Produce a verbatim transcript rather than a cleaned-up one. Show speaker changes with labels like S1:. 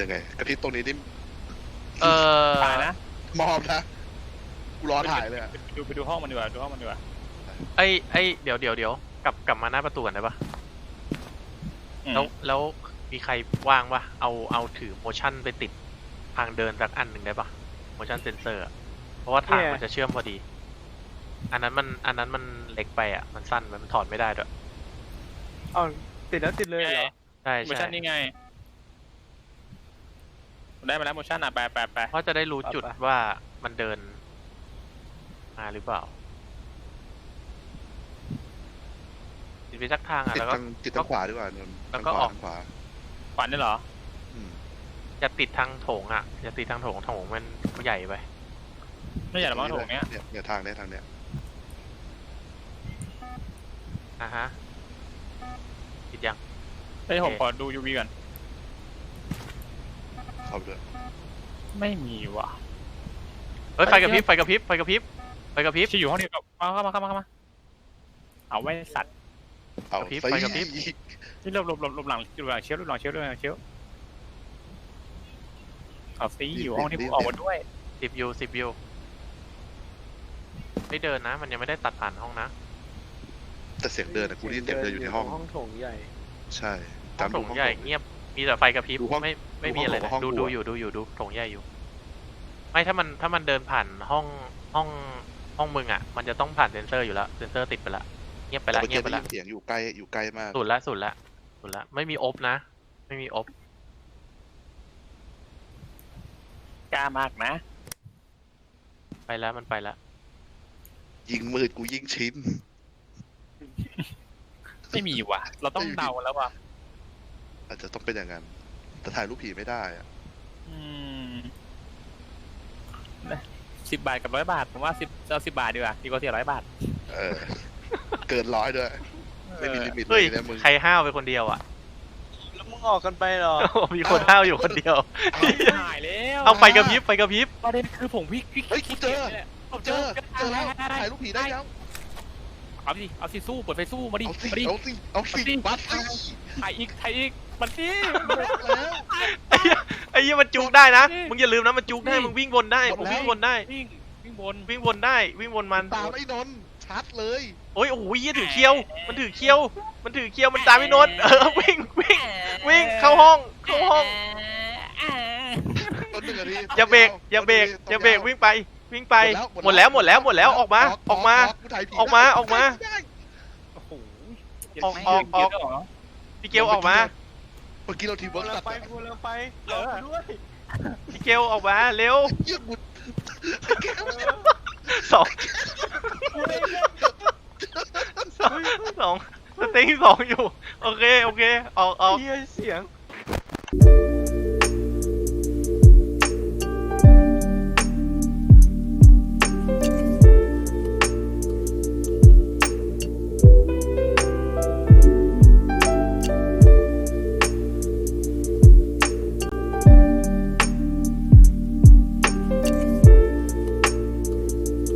S1: ยังไงกระพริบตรงนี้นี่
S2: เออ
S3: ถ่ายนะ
S1: มอบนะกูรอถ่ายเลยอะ
S3: ดูไปดูห้องมันดีกว่าดูห้องมันดีกว่า
S2: ไอ้ไอ้เดี๋ยวเดี๋ยวเดี๋ยวกลับกลับมาหน้าประตูกันได้ปะแล้วแล้วมีใครว่างปะเอาเอาถือ motion ไปติดทางเดินสักอันหนึ่งได้ปะ motion sensor อะเพราะว่าทางมันจะเชื่อมพอดี อันนั้นมันอันนั้นมันเล็กไปอ่ะมันสั้นไปมันถอดไม่ได้ด้วย
S4: อ๋อติดแล้วติดเลยเหรอ
S2: ใช่
S3: โม
S2: ใช่
S3: ชั่นนี่ไงได้มาแล้วโมชั่นอ่ะแปะแปะแปะ
S2: เพราะจะได้รู้จุดว่ามันเดินมาหรือเปล่าติดไปสักทางอ่ะ
S1: ติด
S2: แล้วก็
S1: ทางติดทางขวาดีกว่าเนน
S2: แล้วก็ออก
S1: ทางขวา
S3: ฝันได้เหรอ
S1: อืม
S2: จะติดทางโถงอ่ะจะติดทางโถงโถงมันใหญ่ไป
S3: ไม่อยากหรอกมั้งโถงเนี้ย
S1: เนี่ยเนี่ยทางเนี้ยทางเนี้ย
S2: อ่ะฮะติดยัง
S3: เฮ้ยผมขอดู ยู วี ก่อน
S1: เข้าไปด้วย
S3: ไม่มีว่ะ
S2: เฮ้ยไฟกระพริบไฟกระพริบไฟกระพริบไฟกระพริบ
S3: ที่อยู่ห้องเดียวกับมาเข้ามาเข้ามาเข้ามาเอาไว้สัตว์
S1: เอา
S2: กระพริบ
S1: สิ
S2: ไฟกระพริบ
S3: ที่หลบหลบหลบหลบหลังหลบหลังเชลฟ์หลบหลังเชลฟ์หลบหลังเชลฟ์เอาซีอยู่ห้องที่ผมออกมาด้วย
S2: สิบยูสิบยูไม่เดินนะ มันยังไม่ได้ตัดผ่านห้องนะ
S1: แต่เสียงเดินอะกูได้ยินเสียงเดินอยู่ในห้อง
S4: ห้องโถงใหญ่
S1: ใช่
S2: ห้องโถงใหญ่เงียบมีแต่ไฟกระพริบ
S1: ดูห้อง
S2: ไม่ไม่มี
S1: ดูห้อง
S2: อะไรนะ
S1: ห้อง
S2: ดู
S1: ครั
S2: ดู
S1: ว
S2: อยู่ดูอยู่ดูโถงใหญ่อยู่ ไม่ถ้ามันถ้ามันเดินผ่านห้องห้องห้องมึงอ่ะ มันจะต้องผ่านเซนเซอร์อยู่แล้วเซนเซอร์ติดไปละเงียบไป
S1: แต่
S2: ละ
S1: เมื่อ
S2: เงี
S1: กี้
S2: ยบไป
S1: ได้
S2: ละ
S1: ยินเสียงอยู่ใกล้อยู่ใกล้มาก
S2: สุดละสุดละสุดละไม่มีอบนะ ไม่มีอบ
S3: กล้ามากนะ
S2: ไปแล้วมันไปแล้ว
S1: ยิงมืดกูยิงชิ้น
S3: ไม่มีว่ะ เราต้องเดาแล้วว่ะ
S1: อาจจะต้องเป็นอย่างนั้นแต่ถ่ายรูปผีไม่ได้อะ
S3: อืมสิบบาทกับร้อยบาทผมว่าสิบเอาสิบบาทดีกว่าดีกว่าเสียร้อยบาท
S1: เออ เกินร้อยด้วย ไม่มีลิมิตเล
S2: เฮ้ย
S1: ยนะมึง
S2: ใครห้าวไปคนเดียวอ่ะ
S4: แล้วมึงออกกันไปเหรอ
S2: มีคนห้าวอยู่คนเดียว
S3: หายแล้ว
S2: เอาไฟกระพริบไฟกระพริบ
S3: ประเด็นคือผมพี่พี่
S1: เฮ้ยกูเจอ
S3: ผม
S1: เจอเจอแล้วถ่ายรูปผีได้แล้ว
S3: เอาสิเอาสิสู้เปิดไฟสู้มาดิ
S1: เอาสิ
S3: มาดิ
S1: เอาสิเอาสิบัสสิ
S3: ถ่ายอีกถ่ายอีกมันสิ
S1: แล้ว
S2: ไอ้เหี้ยไอ้ยี่มันจุกได้นะ
S3: นี่
S2: มึงอย่าลืมนะมันจุกได้
S3: นี่
S2: มึงวิ่งวนได้
S1: หมด
S2: มึง
S1: แล้ว
S2: วิ่งวนได้
S3: วิ่งวิ่งบน
S2: วิ่งวนได้ วิ่งวนมัน
S1: ตามไอ้นนท์ชัดเลย
S2: โอ้ยโอ้โหยี่ถือเคียว มันถือเคียว มันถือเคียว มันตามไอ้นนท์เออ วิ่งวิ่งวิ่งเข้าห้อง เข้าห้อง
S1: ต้นหนึ่งนาที
S2: อย่าเบรก อย่าเบรก อย่าเบรก วิ่งไป วิ่งไป หมดแล้ว หมดแล้ว หมดแล้ว ออกมา ออกมา ออกมา ออกมา
S3: โอ้โห
S2: ออกออกออก พี่เกลออกมา
S1: เมื่อกี้เราทีม
S4: กู
S1: เวิร์ก
S4: เร็
S1: ตั
S4: ว
S1: ด
S4: ไปกูเร็วไปรอกูด้วย
S2: พี่เกลออกมา เร็ว
S1: เยี่ยมบุญ
S2: สอง
S4: กูได้เล่น
S2: สองสองสเต็งสองอยู่ โอเค โอเค ออกออก
S4: เฮียเสียง